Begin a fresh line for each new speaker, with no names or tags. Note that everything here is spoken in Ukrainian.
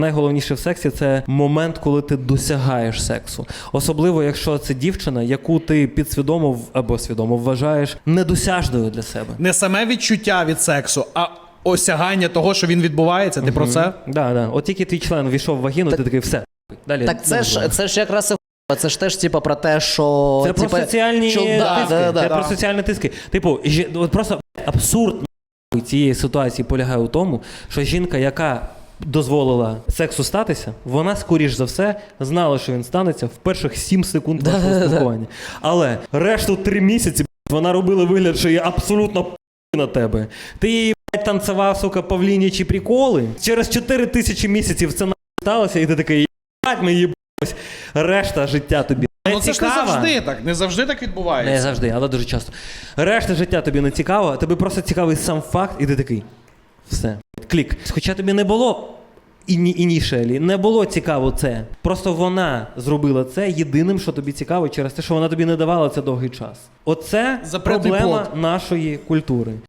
Найголовніше в сексі – це момент, коли ти досягаєш сексу. Особливо, якщо це дівчина, яку ти підсвідомо або свідомо вважаєш недосяжною для себе.
Не саме відчуття від сексу, а осягання того, що він відбувається. Ти про це?
Да. От тільки твій член війшов в вагіну, ти такий, все. Далі.
Так це ж якраз і це ж теж типу про те, що...
Це про соціальні тиски. Це про соціальні тиски. Типу, от просто абсурд цієї ситуації полягає у тому, що жінка, яка дозволила сексу статися, вона, скоріш за все, знала, що він станеться в перших 7 секунд вашого спілкування. Але решту 3 місяці вона робила вигляд, що є абсолютно на тебе. Ти її танцював, сука, павлінячі приколи. Через 4000 місяців це сталося, і ти такий, ми їбалось. Решта життя тобі не
Ну це ж не завжди так відбувається.
Не завжди, але дуже часто. Решта життя тобі не цікаво, тобі просто цікавий сам факт, і ти такий, все, клік. Хоча тобі не було інішелі, не було цікаво це. Просто вона зробила це єдиним, що тобі цікаво, через те, що вона тобі не давала це довгий час. Оце
Запретний
проблема
плод
нашої культури.